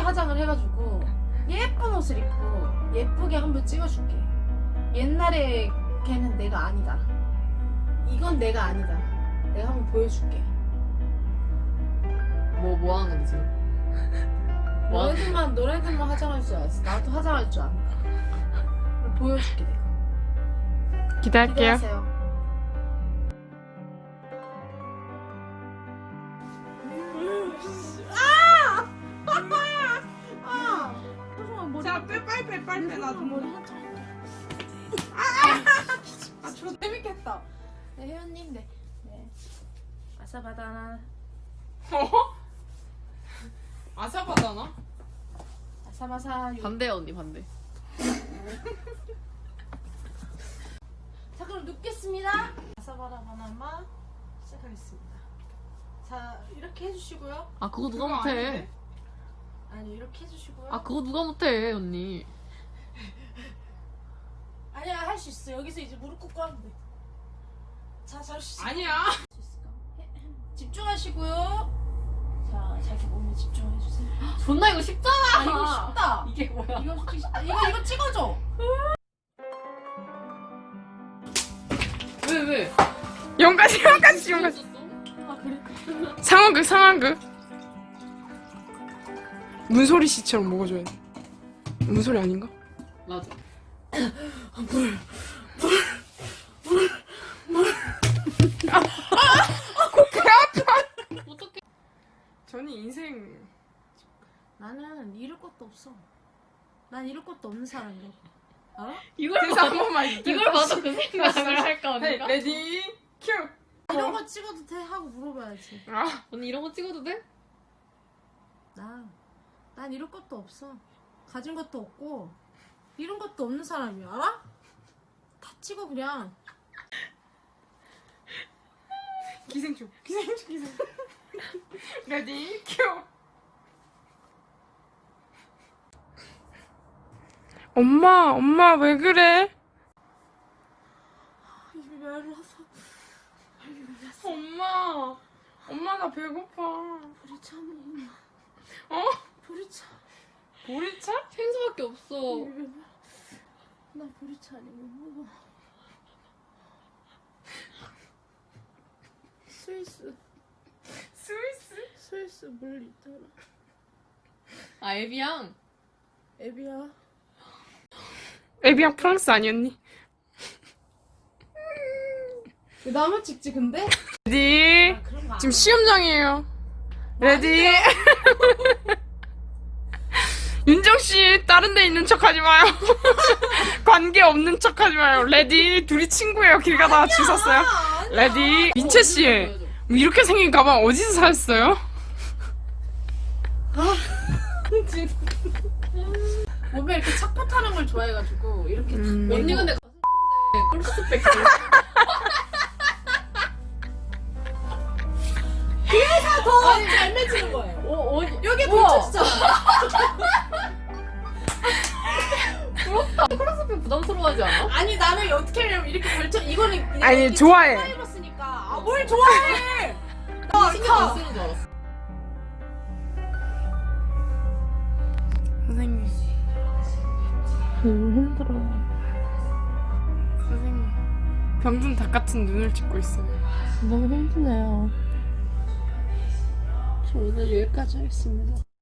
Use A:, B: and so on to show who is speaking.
A: 화장을 해가지고 예쁜 옷을 입고 예쁘게 한번 찍어줄게. 옛날에 걔는 내가 아니다. 이건 내가 아니다. 내가 한번 보여줄게.
B: 뭐 하는 건지 지금?
A: 너네들만 화장할 줄 알았어. 나도 화장할 줄 안다. 그럼 보여줄게 내가.
C: 기대할게요.
A: 기대하세요.
C: 자, 빨리 나도
A: 머리 한참. 저 재밌겠다. 네, 회원님, 네. 아사바다나.
C: 아사바다나?
A: 아사바사.
B: 반대 언니 반대.
A: 자, 그럼 눕겠습니다. 아사바다 바나마 시작하겠습니다. 자, 이렇게 해주시고요.
B: 아 그거 누가
C: 그거
B: 못해?
C: 아닌데?
A: 아니, 이렇게 해주시고요.
B: 아 그거 누가 못해 언니?
A: 아니야, 할 수 있어. 여기서 이제 무릎 꿇고 하면 돼. 자, 잘 수 있어.
C: 아니야.
A: 할 수 있을까? 집중하시고요. 자, 자기 몸에 집중해주세요.
B: 존나 이거 쉽잖아.
A: 아, 이거 쉽다.
B: 이게 뭐야?
A: 이거 솔직히 쉽다. 이거 찍어줘.
B: 왜?
C: 용가시.
A: 아, 그래?
C: 상황극. 문소리 씨처럼 먹어줘야 돼. 문소리 아닌가?
B: 맞아. 어떻게?
C: 저는 인생
A: 나는 잃을 것도 없어. 난 잃을 것도 없는 사람이야. 알아?
B: 이걸
C: 그래서 한 번만
B: 이걸 봐도 그 생각을 할까 언니가?
C: 레디 큐.
A: 이런 거 찍어도 돼? 하고 물어봐야지.
C: 아,
B: 언니 이런 거 찍어도 돼?
A: 난 잃을 것도 없어. 가진 것도 없고 잃은 것도 없는 사람이야. 알아? 다 찍어 그냥.
C: 기생충. 레디 큐. 엄마 왜 그래?
A: 입이 말라서.
C: 엄마 나 배고파.
A: 보리차 먹나?
C: 어?
A: 보리차.
C: 보리차?
B: 생수밖에 없어.
A: 나 보리차 아니면 먹어. 스위스 물 있더라.
B: 아 에비앙.
A: 애비야.
C: 에비앙 프랑스 아니었니?
A: 왜 나만 찍지 근데?
C: 레디.
A: 아, 그런 거
C: 지금
A: 안 해.
C: 시험장이에요. 레디. 윤정 씨 다른 데 있는 척 하지 마요. 관계 없는 척 하지 마요. 레디. 둘이 친구예요. 길 가다가 주웠어요. 레디. 민채 씨. 이렇게 생긴 가방 어디서 사셨어요?
A: 몸에 이렇게 착포 타는 걸 좋아해가지고 이렇게
B: 언니 근데 꿀스펙.
A: 더 잘 맺히는 거예요. 여기 붙여주잖아.
B: 부럽다. 꿀스펙 부담스러워하지 않아?
A: 아니 나는 어떻게 하냐면 이렇게 걸쳐 이거는
C: 아니,
A: 이렇게
C: 좋아해.
A: 입었으니까. 아 뭘 좋아해?
B: 신경 안 쓰는 줄 알았어.
C: 선생님.
A: 힘들어.
C: 선생님. 병든 닭 같은 눈을 찍고 있어요.
A: 너무 힘드네요. 저 오늘 여기까지 하겠습니다.